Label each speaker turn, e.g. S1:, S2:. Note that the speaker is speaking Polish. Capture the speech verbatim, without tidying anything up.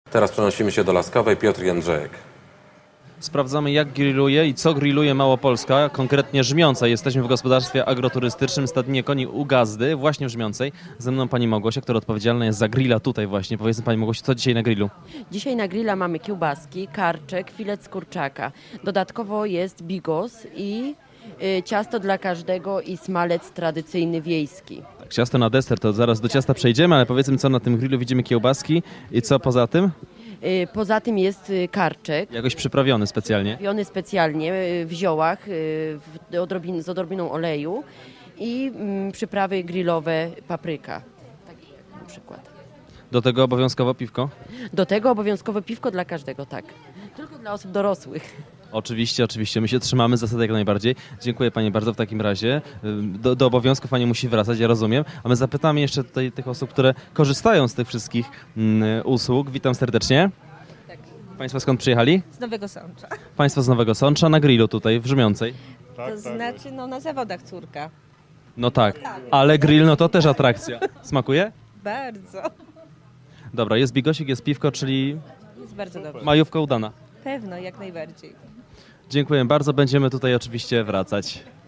S1: Teraz przenosimy się do Laskowej. Piotr Jędrzejek.
S2: Sprawdzamy, jak grilluje i co grilluje Małopolska, konkretnie Żmiąca. Jesteśmy w gospodarstwie agroturystycznym Stadninie Koni u Gazdy, właśnie w Żmiącej. Ze mną pani Małgosia, która odpowiedzialna jest za grilla tutaj właśnie. Powiedzmy pani Małgosiu, co dzisiaj na grillu?
S3: Dzisiaj na grilla mamy kiełbaski, karczek, filet z kurczaka. Dodatkowo jest bigos i y, ciasto dla każdego i smalec tradycyjny wiejski.
S2: Tak, ciasto na deser, to zaraz do ciasta przejdziemy, ale powiedzmy, co na tym grillu. Widzimy kiełbaski i co poza tym?
S3: Y, poza tym jest y, karczek.
S2: Jakoś przyprawiony specjalnie.
S3: Robiony specjalnie y, w ziołach y, w odrobin, z odrobiną oleju i mm, przyprawy grillowe papryka, takie jak na przykład.
S2: Do tego obowiązkowo piwko?
S3: Do tego obowiązkowe piwko dla każdego, tak. Tylko dla osób dorosłych.
S2: Oczywiście, oczywiście. My się trzymamy zasady jak najbardziej. Dziękuję pani bardzo w takim razie. Do, do obowiązków pani musi wracać, ja rozumiem. A my zapytamy jeszcze tutaj tych osób, które korzystają z tych wszystkich mm, usług. Witam serdecznie.
S4: Tak.
S2: Państwo skąd przyjechali?
S4: Z Nowego Sącza.
S2: Państwo z Nowego Sącza na grillu tutaj w Żmiącej.
S4: To znaczy no na zawodach córka.
S2: No tak, ale grill no to też atrakcja. Smakuje?
S4: Bardzo.
S2: Dobra, jest bigosik, jest piwko, czyli
S4: Jest bardzo dobrze.
S2: majówka udana.
S4: Pewno, jak najbardziej.
S2: Dziękuję bardzo, będziemy tutaj oczywiście wracać.